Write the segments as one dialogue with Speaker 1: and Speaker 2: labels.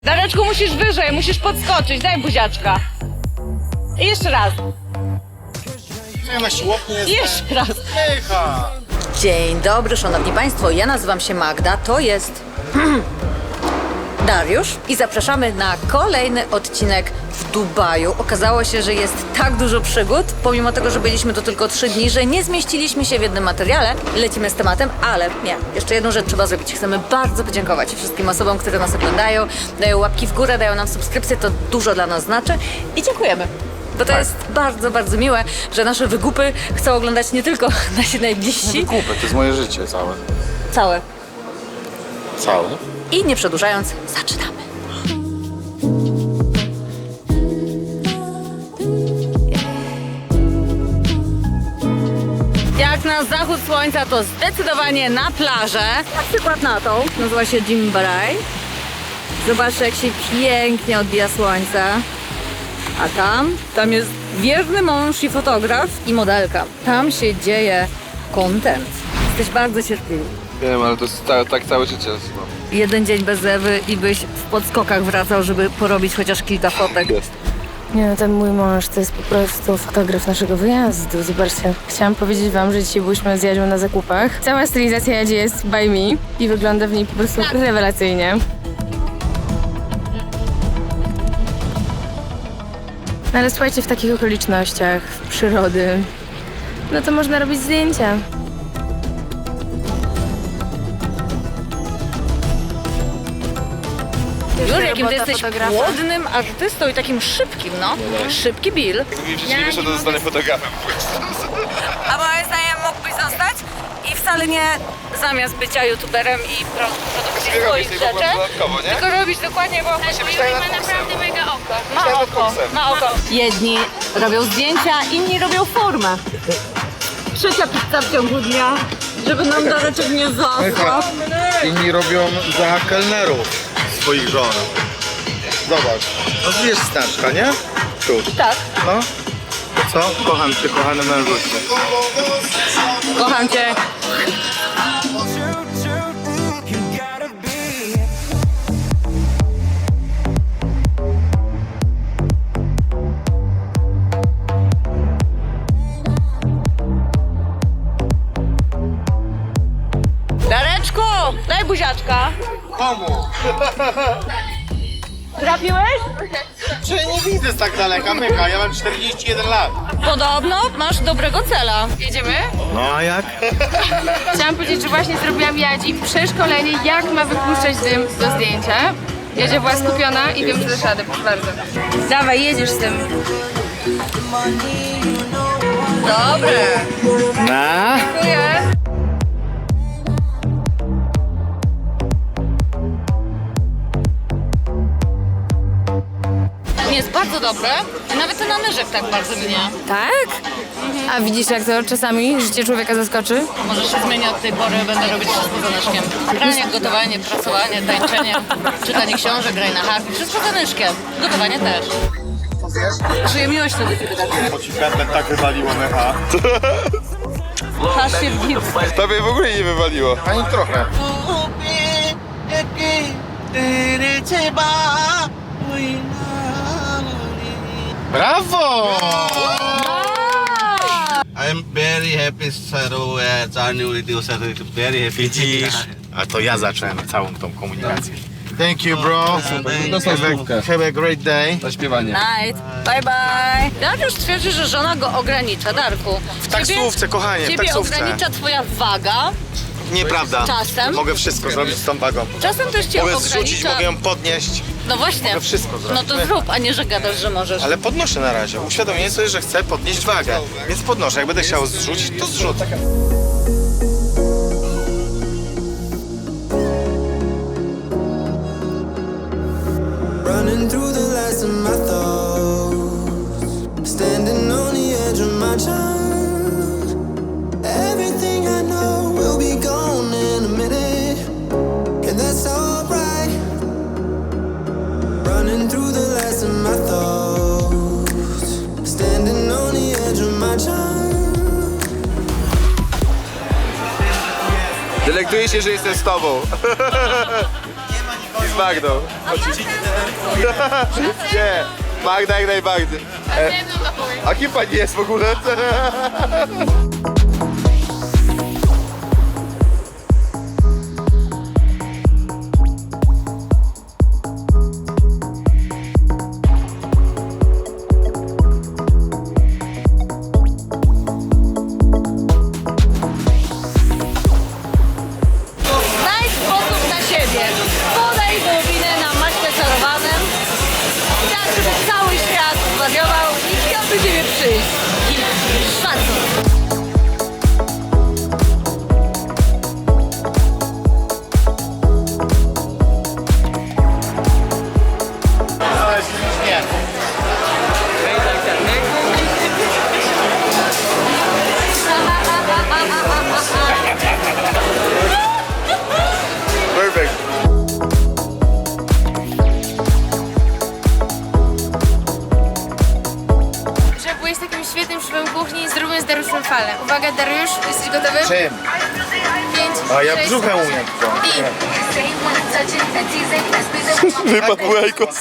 Speaker 1: Dareczku, musisz wyżej, musisz podskoczyć, daj buziaczka. I jeszcze raz.
Speaker 2: Ja na siłowni jest.
Speaker 1: Jeszcze raz.
Speaker 2: Pycha.
Speaker 3: Dzień dobry, szanowni państwo, ja nazywam się Magda, to jest Dariusz i zapraszamy na kolejny odcinek w Dubaju. Okazało się, że jest tak dużo przygód, pomimo tego, że byliśmy tu tylko 3 dni, że nie zmieściliśmy się w jednym materiale. Lecimy z tematem, ale nie, jeszcze jedną rzecz trzeba zrobić. Chcemy bardzo podziękować wszystkim osobom, które nas oglądają, dają łapki w górę, dają nam subskrypcje, to dużo dla nas znaczy i dziękujemy. Bo to jest bardzo, bardzo miłe, że nasze wygupy chcą oglądać nie tylko nasi najbliżsi.
Speaker 2: Kupę, to jest moje życie całe.
Speaker 3: Całe.
Speaker 2: Całe?
Speaker 3: I nie przedłużając, zaczynamy. Jak na zachód słońca, to zdecydowanie na plażę. Na przykład na tą, nazywa się Jimbarai. Zobaczcie, jak się pięknie odbija słońce. A tam jest wierny mąż i fotograf i modelka. Tam się dzieje content. Jesteś bardzo cierpliwy.
Speaker 4: Wiem, ale to jest tak całe życie.
Speaker 3: Jeden dzień bez Ewy i byś w podskokach wracał, żeby porobić chociaż kilka fotek.
Speaker 5: Nie no, ten mój mąż to jest po prostu fotograf naszego wyjazdu. Zobaczcie, chciałam powiedzieć wam, że dzisiaj byliśmy z Jadzią na zakupach. Cała stylizacja Jadzi jest by me i wygląda w niej po prostu rewelacyjnie. No ale słuchajcie, w takich okolicznościach, w przyrody, no to można robić zdjęcia.
Speaker 3: Już jakim ty
Speaker 5: robota
Speaker 3: jesteś
Speaker 5: fotografa.
Speaker 3: płodnym artystą i takim szybkim, no. Szybki Bill.
Speaker 4: Jakby przeciwnie wyszedł, to zostanę fotografem.
Speaker 3: A moim zdaniem mógłbyś zostać i wcale nie zamiast bycia youtuberem i produkcji
Speaker 4: Robisz
Speaker 3: swoich
Speaker 4: tylko
Speaker 3: rzeczy,
Speaker 4: dodatkowo, nie?
Speaker 3: tylko robić dokładnie, bo
Speaker 4: Musi być tak nad kursem.
Speaker 3: ma oko, ma oko. Jedni robią zdjęcia, inni robią formę. Trzecia pizza w ciągu dnia, żeby nam Dareczek nie zasłał.
Speaker 2: Inni robią za kelnerów swoich żon. Zobacz. No wiesz znaczka, nie? Tu.
Speaker 3: Tak,
Speaker 2: No. To co? Kocham cię, kochany mężuś.
Speaker 3: kocham cię. Dareczku, daj buziaczka.
Speaker 2: Komu?
Speaker 3: Trafiłeś?
Speaker 2: Czy nie widzę z tak daleka, myka. Ja mam 41 lat.
Speaker 3: Podobno masz dobrego cela.
Speaker 5: Jedziemy?
Speaker 2: No a jak?
Speaker 5: Chciałam powiedzieć, że właśnie zrobiłam Jadzi przeszkolenie, jak ma wypuszczać dym do zdjęcia. Jadzia była skupiona i wiem, że dasz radę, proszę bardzo. Dawaj, jedziesz z tym.
Speaker 3: Dobre.
Speaker 2: Na?
Speaker 5: Dziękuję.
Speaker 3: Jest bardzo dobre. Nawet ten namierzek tak bardzo mnie.
Speaker 5: Tak? A widzisz, jak to czasami życie człowieka zaskoczy?
Speaker 3: Może się zmieni od tej pory, będę robić wszystko za Nyszkiem. Pranie, gotowanie, prasowanie, tańczenie, czytanie książek, graj na harfie, wszystko za Nyszkiem. Gotowanie też. Czuję miłość wtedy, kiedy tak.
Speaker 2: Bo ci pętlę tak wywaliło, mycha.
Speaker 3: Patrz się w gips.
Speaker 4: Tobie w ogóle nie wywaliło.
Speaker 2: Ani trochę. Brawo!
Speaker 6: I'm very happy, Saru, as our new reducer. Very happy.
Speaker 2: Widzisz? A to ja zacząłem całą tą komunikację. Thank you, bro. Have a great day.
Speaker 4: Zaśpiewanie.
Speaker 3: Night. Bye bye. Dariusz twierdzi, że żona go ogranicza, Darku.
Speaker 2: W taksówce, kochanie, w
Speaker 3: Ciebie
Speaker 2: taksówce.
Speaker 3: ogranicza twoja waga.
Speaker 2: Nieprawda.
Speaker 3: Czasem.
Speaker 2: Mogę wszystko zrobić z tą wagą.
Speaker 3: Czasem też cię
Speaker 2: Mogę
Speaker 3: ogranicza.
Speaker 2: zrzucić, mogę ją podnieść.
Speaker 3: No właśnie.
Speaker 2: Mogę wszystko
Speaker 3: No
Speaker 2: zrobić.
Speaker 3: to zrób, a nie, że gadasz, że możesz.
Speaker 2: Ale podnoszę na razie. Uświadomienie sobie, że chcę podnieść wagę. Więc podnoszę. Jak będę chciał zrzucić, to zrzucę.
Speaker 7: Running through the last of my thoughts, standing on the edge of my time. Everything I know will be gone in a minute, and that's alright. Running through the last of my thoughts, standing on the edge of my time.
Speaker 4: Delektuję się, że jestem z tobą. z Magdą. Nie, Magda jak najbardziej. A kim pani jest w ogóle?
Speaker 3: Znajdź sposób na siebie. Podaj wołowinę na maśle czarowanym. Tak, żeby cały świat zwariował i chciał do ciebie przyjść. I szacun.
Speaker 4: Perfect.
Speaker 5: Że byłeś takim świetnym szefem kuchni, zróbmy z Dariuszem falę. Uwaga, Dariusz, jesteś gotowy?
Speaker 2: Czym?
Speaker 5: 5,
Speaker 2: A ja
Speaker 5: 6,
Speaker 2: brzuchem umiem to.
Speaker 5: i...
Speaker 4: Wypadł Łajkos.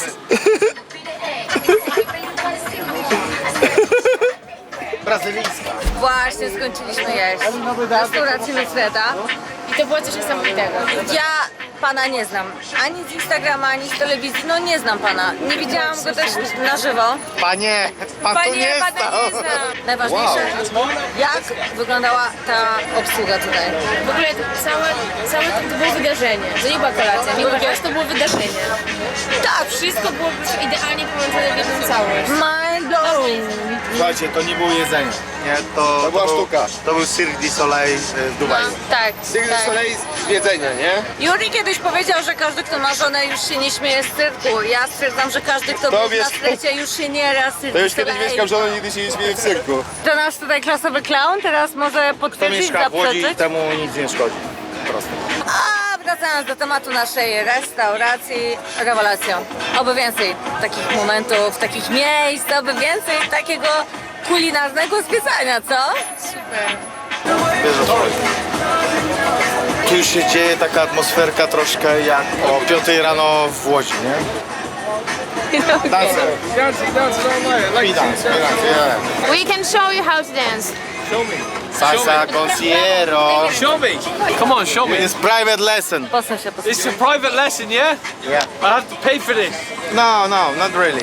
Speaker 2: Brazylijska.
Speaker 3: Właśnie skończyliśmy jeść. W restauracji Lucreta.
Speaker 5: I to było coś niesamowitego.
Speaker 3: Ja pana nie znam. Ani z Instagrama, ani z telewizji. No nie znam pana. Nie widziałam go też na żywo.
Speaker 2: Panie, pan tu nie
Speaker 3: pana
Speaker 2: stał.
Speaker 3: nie znam. Najważniejsze, jak wyglądała ta obsługa tutaj.
Speaker 5: W ogóle całe to było wydarzenie. To nie była kolacja, nie uważasz, to było wydarzenie. Tak, wszystko było już idealnie połączone w jedną całość.
Speaker 3: Mind blown.
Speaker 2: Słuchajcie, to nie było jedzenie. Nie, to
Speaker 4: była sztuka.
Speaker 2: To był Cirque du Soleil w Dubaju.
Speaker 5: Tak,
Speaker 4: Cirque du Soleil z jedzenia, nie?
Speaker 3: Juri kiedyś powiedział, że każdy, kto ma żonę, już się nie śmieje z cyrku. Ja stwierdzam, że każdy, kto był
Speaker 4: wiesz-
Speaker 3: na strecie, już się nie raz z
Speaker 4: To już kiedyś mieszkam żoną, nigdy się nie śmieję w cyrku.
Speaker 3: To nasz tutaj klasowy clown, teraz może
Speaker 2: Kto
Speaker 3: potwierdzić,
Speaker 2: mieszka w Łodzi,
Speaker 3: zaprzeczyć.
Speaker 2: temu nic nie szkodzi. Po prostu.
Speaker 3: A wracając do tematu naszej restauracji, rewelacja. Oby więcej takich momentów, takich miejsc, oby więcej takiego kulinarnego zwiedzania, co?
Speaker 2: Wiesz o co chodzi. Tu już się dzieje taka atmosferka troszkę jak o 5 rano w Łodzi, nie? Dancer. I dance, yeah.
Speaker 5: We can show you how to dance.
Speaker 2: Salsa concierto.
Speaker 8: Show me. Come on, show me.
Speaker 2: It's private lesson.
Speaker 3: Posuń się, posuń
Speaker 8: It's a private lesson, yeah?
Speaker 2: Yeah.
Speaker 8: I have to pay for this.
Speaker 2: No, not really.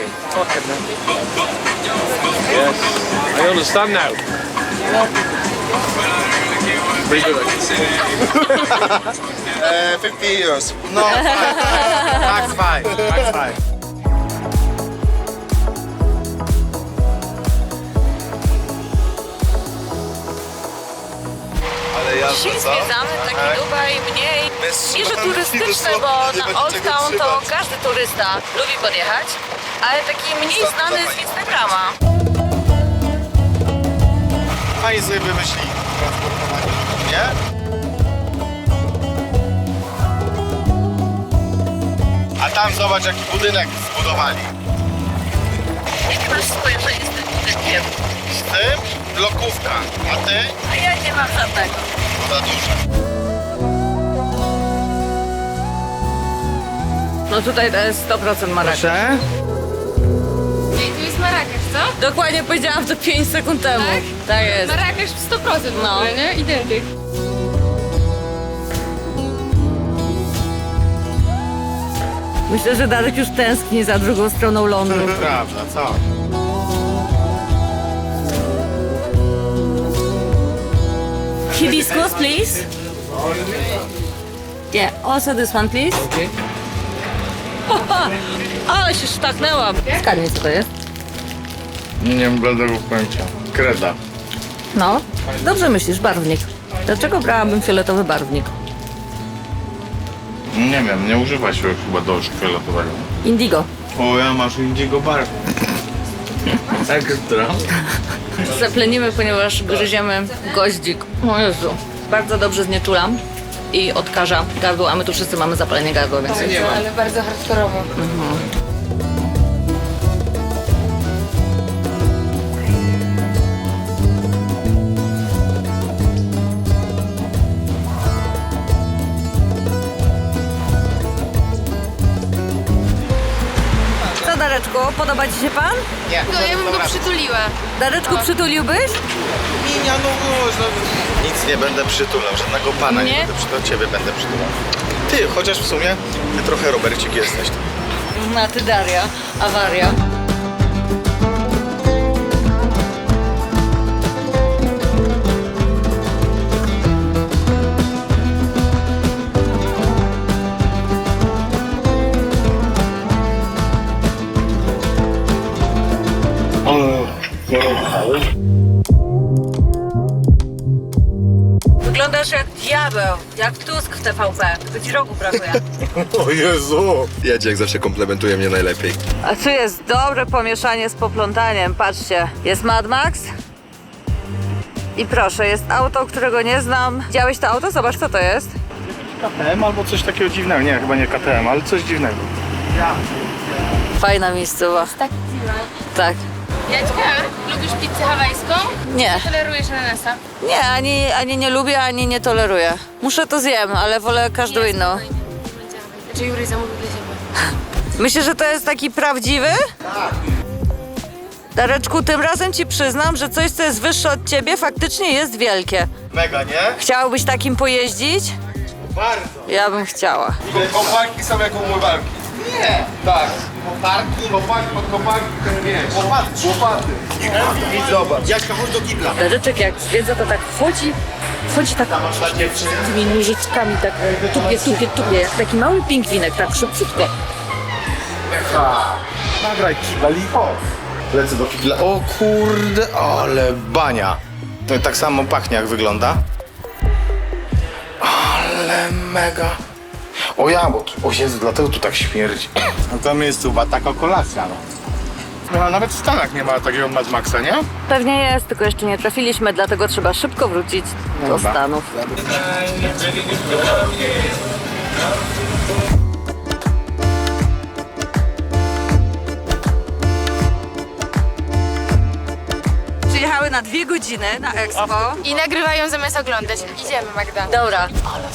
Speaker 8: Yes. I understand now. Pretty good.
Speaker 4: 50 euros.
Speaker 2: No, max five.
Speaker 4: Ale ja
Speaker 3: Dzisiaj zwiedzamy taki Dubaj mniej, nie że turystyczny, bo na Old Town to każdy turysta lubi podjechać, ale taki mniej znany z Instagrama.
Speaker 2: Fajnie sobie wymyślili transportowanie ludzi, nie? A tam zobacz jaki budynek zbudowali.
Speaker 3: Jakie masz spojrzenie z tym budynkiem?
Speaker 2: Z tym blokówka, a ty?
Speaker 3: A ja nie mam żadnego.
Speaker 2: Za dużo.
Speaker 3: No tutaj to jest 100% Marrakesz.
Speaker 2: Proszę?
Speaker 5: Ej, tu jest Marrakesz, co?
Speaker 3: Dokładnie powiedziałam to 5 sekund temu. Tak jest.
Speaker 5: Marrakesz w 100% w
Speaker 3: No.
Speaker 5: ogóle, nie? Identyk.
Speaker 3: Myślę, że Darek już tęskni za drugą stroną Londynu.
Speaker 2: Prawda, co?
Speaker 3: Hibiscus, please. Yeah, also this one, please. Okay. Ale się sztaknęłam. Zgadnij, co to jest.
Speaker 2: Nie mam bladego pojęcia. Kreda.
Speaker 3: No, dobrze myślisz, barwnik. Dlaczego brałabym fioletowy barwnik?
Speaker 2: Nie wiem, nie używa się chyba do szkieletowego.
Speaker 3: Indigo.
Speaker 2: O, ja masz indzigo barw. Ekstra.
Speaker 3: Zaplenimy, ponieważ gryziemy goździk. O Jezu. Bardzo dobrze znieczulam i odkaża gardło, a my tu wszyscy mamy zapalenie gardła, więc...
Speaker 5: Ale bardzo hardkorowo.
Speaker 3: Dareczku, podoba ci się pan?
Speaker 2: Nie.
Speaker 5: No ja bym go przytuliła.
Speaker 3: Dareczku, przytuliłbyś?
Speaker 2: Minia, no można. Nic nie będę przytulał, żadnego pana nie,
Speaker 3: Nie?
Speaker 2: będę przytulał, ciebie będę przytulał. Ty, chociaż w sumie ty trochę Robercik jesteś.
Speaker 3: A ty Daria, awaria. Wyglądasz jak diabeł, jak Tusk w TVP. Tylko ci rogu brakuje.
Speaker 2: O Jezu! Jedzie jak zawsze komplementuje mnie najlepiej.
Speaker 3: A tu jest dobre pomieszanie z poplątaniem. Patrzcie, jest Mad Max. I proszę, jest auto, którego nie znam. Widziałeś to auto? Zobacz, co to jest.
Speaker 2: KTM albo coś takiego dziwnego. Nie, chyba nie KTM, ale coś dziwnego.
Speaker 3: Fajna miejscowa.
Speaker 5: Tak.
Speaker 3: Tak.
Speaker 5: Jaćka, lubisz pizzę hawajską?
Speaker 3: Nie.
Speaker 5: Tolerujesz ananasa?
Speaker 3: Nie, ani nie lubię, ani nie toleruję. Muszę to zjem, ale wolę każdą inną.
Speaker 5: Czy Jury zamówił dla ciebie?
Speaker 3: Myślisz, że to jest taki prawdziwy? Tak. Dareczku, tym razem ci przyznam, że coś, co jest wyższe od ciebie, faktycznie jest wielkie.
Speaker 2: Mega, nie?
Speaker 3: Chciałbyś takim pojeździć?
Speaker 2: Bardzo.
Speaker 3: Ja bym chciała.
Speaker 4: Koparki są jak umywalki.
Speaker 2: Nie.
Speaker 4: Tak.
Speaker 2: Koparki?
Speaker 4: Kopaki pod kopaki, ten wiesz.
Speaker 2: Łopaty.
Speaker 4: Łopaty. I zobacz.
Speaker 2: Jaśka, chodź do kibla.
Speaker 3: Dareczek jak zwiedza, to tak wchodzi tak tymi nóżyczkami, tak tupie, jak taki mały pingwinek, tak szybciutko.
Speaker 2: Nagraj kibel i chodź. Lecę do kibla. O kurde, ale bania. To tak samo pachnie, jak wygląda. Ale mega. O ja, bo o Jezu, dlatego tu tak śmierdzi. No to miejscowa taka kolacja, no. No, nawet w Stanach nie ma takiego Mad Maxa, nie?
Speaker 3: Pewnie jest, tylko jeszcze nie trafiliśmy, dlatego trzeba szybko wrócić do
Speaker 2: Dobra.
Speaker 3: Stanów. Przyjechały na 2 godziny na Expo.
Speaker 5: I nagrywają zamiast oglądać. Idziemy, Magda.
Speaker 3: Dobra.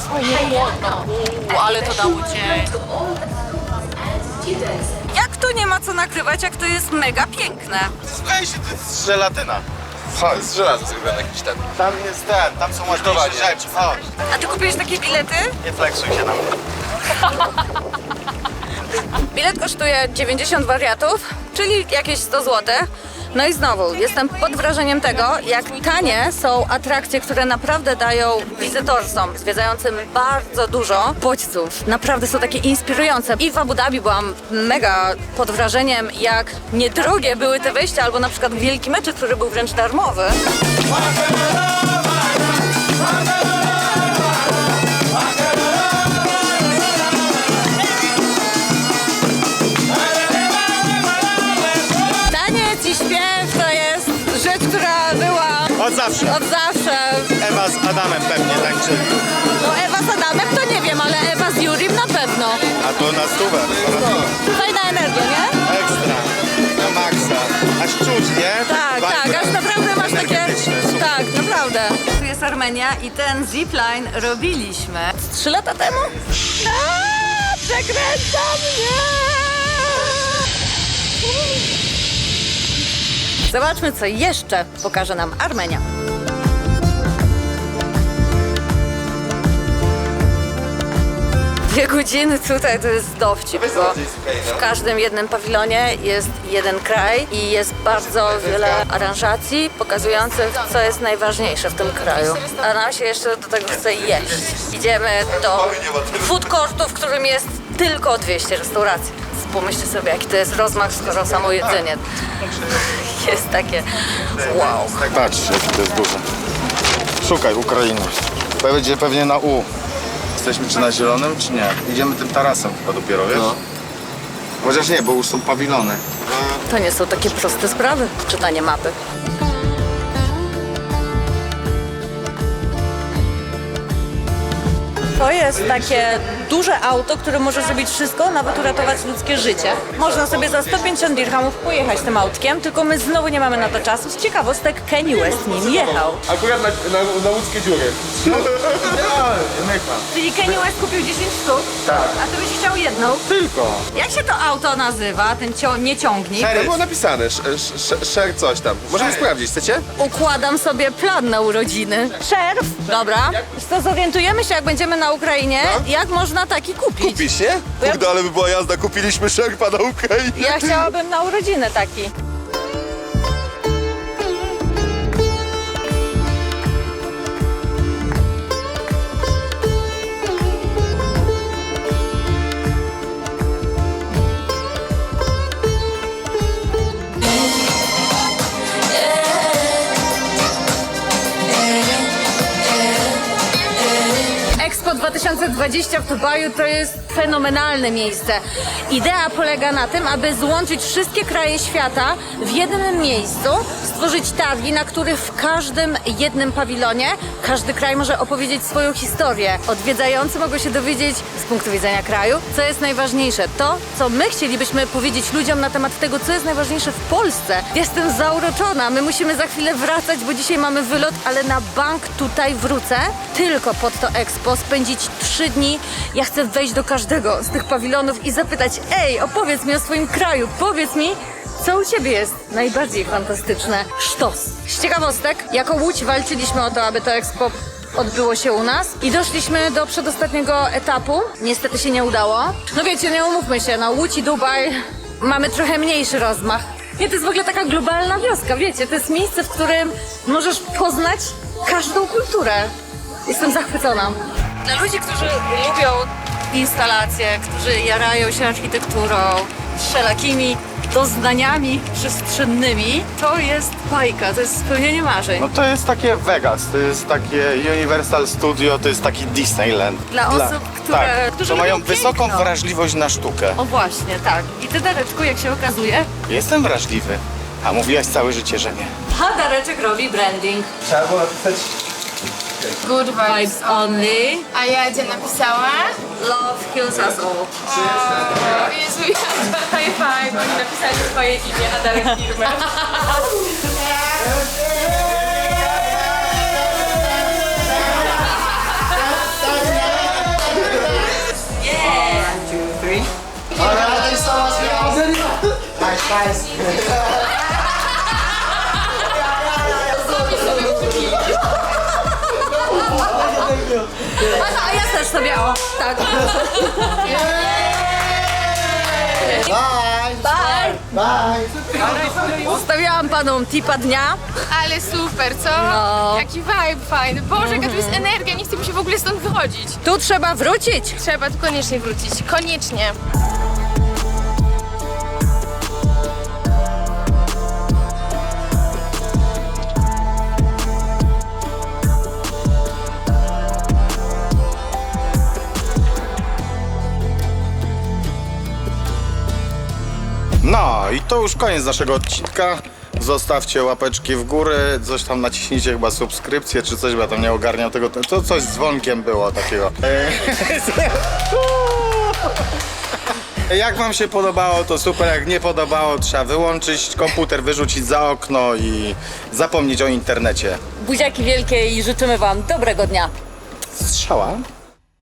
Speaker 3: Ale to dało cię. Jak to nie ma co nagrywać, jak to jest mega piękne?
Speaker 2: Słuchaj się, to jest żelatyna.
Speaker 4: Chodź, z żelaza zrobiony jakiś ten.
Speaker 2: Tam jest ten, tam są ładniejsze rzeczy. Chodź.
Speaker 3: A ty kupiłeś takie bilety?
Speaker 2: Nie flexuj się na mnie.
Speaker 3: Bilet kosztuje 90 wariatów, czyli jakieś 100 zł. No i znowu, jestem pod wrażeniem tego, jak tanie są atrakcje, które naprawdę dają wizytorsom zwiedzającym bardzo dużo bodźców. Naprawdę są takie inspirujące. I w Abu Dhabi byłam mega pod wrażeniem, jak niedrogie były te wejścia, albo na przykład wielki meczet, który był wręcz darmowy. Taniec i śpiew to jest rzecz, która była
Speaker 2: Od zawsze.
Speaker 3: od zawsze.
Speaker 2: Ewa z Adamem pewnie tańczyli.
Speaker 3: No Ewa z Adamem to nie wiem, ale Ewa z Jurim na pewno.
Speaker 2: A to na stówę.
Speaker 3: Fajna energia, nie?
Speaker 2: Ekstra. Na maksa. Aż czuć, nie?
Speaker 3: Tak, tak, aż naprawdę masz takie...
Speaker 2: Energetyczne, super.
Speaker 3: Tak, naprawdę. Tu jest Armenia i ten zipline robiliśmy 3 lata temu. Przekręca mnie! Zobaczmy, co jeszcze pokaże nam Armenia. Dwie godziny tutaj to jest dowcip, bo w każdym jednym pawilonie jest jeden kraj i jest bardzo wiele aranżacji pokazujących, co jest najważniejsze w tym kraju. A nam się jeszcze do tego chce jeść. Idziemy do food courtu, w którym jest tylko 200 restauracji. Więc pomyślcie sobie, jaki to jest rozmach, skoro samo jedzenie jest takie wow.
Speaker 2: Patrz, jaki to jest duży. Szukaj Ukrainy. Będzie pewnie na U. Jesteśmy czy na zielonym, czy nie? Idziemy tym tarasem chyba dopiero, wiesz? No. Chociaż nie, bo już są pawilony.
Speaker 3: To nie są takie proste sprawy, czytanie mapy. To jest takie duże auto, które może zrobić wszystko, nawet uratować ludzkie życie. Można sobie za 150 dirhamów pojechać tym autkiem, tylko my znowu nie mamy na to czasu. Z ciekawostek Kanye West nim jechał.
Speaker 4: Akurat na łódzkie dziury.
Speaker 3: Czyli Kanye West kupił 10 sztuk, a ty byś chciał jedną.
Speaker 2: Tylko.
Speaker 3: Jak się to auto nazywa, ten nieciągnik?
Speaker 4: To było napisane, share coś tam. Możemy sprawdzić, chcecie?
Speaker 3: Układam sobie plan na urodziny. Szerf, dobra. To zorientujemy się, jak będziemy na Ukrainie, jak można taki kupić.
Speaker 4: Kupisz, nie? Kurde, ale by była jazda, kupiliśmy szerpa na Ukrainie.
Speaker 3: Ja chciałabym na urodziny taki. Expo 2020 w Dubaju to jest fenomenalne miejsce. Idea polega na tym, aby złączyć wszystkie kraje świata w jednym miejscu, stworzyć targi, na których w każdym jednym pawilonie każdy kraj może opowiedzieć swoją historię. Odwiedzający mogą się dowiedzieć z punktu widzenia kraju, co jest najważniejsze. To, co my chcielibyśmy powiedzieć ludziom na temat tego, co jest najważniejsze w Polsce. Jestem zauroczona. My musimy za chwilę wracać, bo dzisiaj mamy wylot, ale na bank tutaj wrócę tylko pod to Expo, spędzić 3 dni. Ja chcę wejść do każdego z tych pawilonów i zapytać: ej, opowiedz mi o swoim kraju, powiedz mi, co u Ciebie jest najbardziej fantastyczne. Sztos. Z ciekawostek, jako Łódź walczyliśmy o to, aby to Expo odbyło się u nas i doszliśmy do przedostatniego etapu. Niestety się nie udało. No wiecie, nie umówmy się, na Łódź i Dubaj mamy trochę mniejszy rozmach. Nie, to jest w ogóle taka globalna wioska, wiecie, to jest miejsce, w którym możesz poznać każdą kulturę. Jestem zachwycona. Dla ludzi, którzy lubią instalacje, którzy jarają się architekturą, wszelakimi doznaniami przestrzennymi, to jest bajka, to jest spełnienie marzeń.
Speaker 2: No to jest takie Vegas, to jest takie Universal Studio, to jest taki Disneyland.
Speaker 3: Dla osób, którzy
Speaker 2: to mają
Speaker 3: lubią
Speaker 2: wysoką
Speaker 3: piękno.
Speaker 2: wrażliwość na sztukę.
Speaker 3: O właśnie, tak. I ty, Dareczku, jak się okazuje,
Speaker 2: Jestem wrażliwy, a mówiłaś całe życie, że nie.
Speaker 3: a Dareczek robi branding.
Speaker 4: Trzeba było napisać...
Speaker 5: Good
Speaker 3: Vibes only,
Speaker 5: A ja gdzie napisała?
Speaker 3: love heals us all.
Speaker 5: O Jezu, ja high five, oni napisali swoje imię, a Darek firmę.
Speaker 3: A ja też sobie, o, tak. Bye! Zostawiałam panom tipa dnia.
Speaker 5: Ale super, co?
Speaker 3: No.
Speaker 5: Jaki vibe fajny. Boże, jaka tu jest energia, nie chcę mi się w ogóle stąd wychodzić.
Speaker 3: Tu trzeba wrócić.
Speaker 5: Trzeba tu koniecznie wrócić, koniecznie.
Speaker 2: No i to już koniec naszego odcinka. Zostawcie łapeczki w górę, coś tam naciśnijcie, chyba subskrypcję czy coś, bo ja tam nie ogarniam tego. To coś z dzwonkiem było takiego. Jak wam się podobało, to super. Jak nie podobało, trzeba wyłączyć komputer, wyrzucić za okno i zapomnieć o internecie.
Speaker 3: Buziaki wielkie i życzymy wam dobrego dnia.
Speaker 2: Strzała.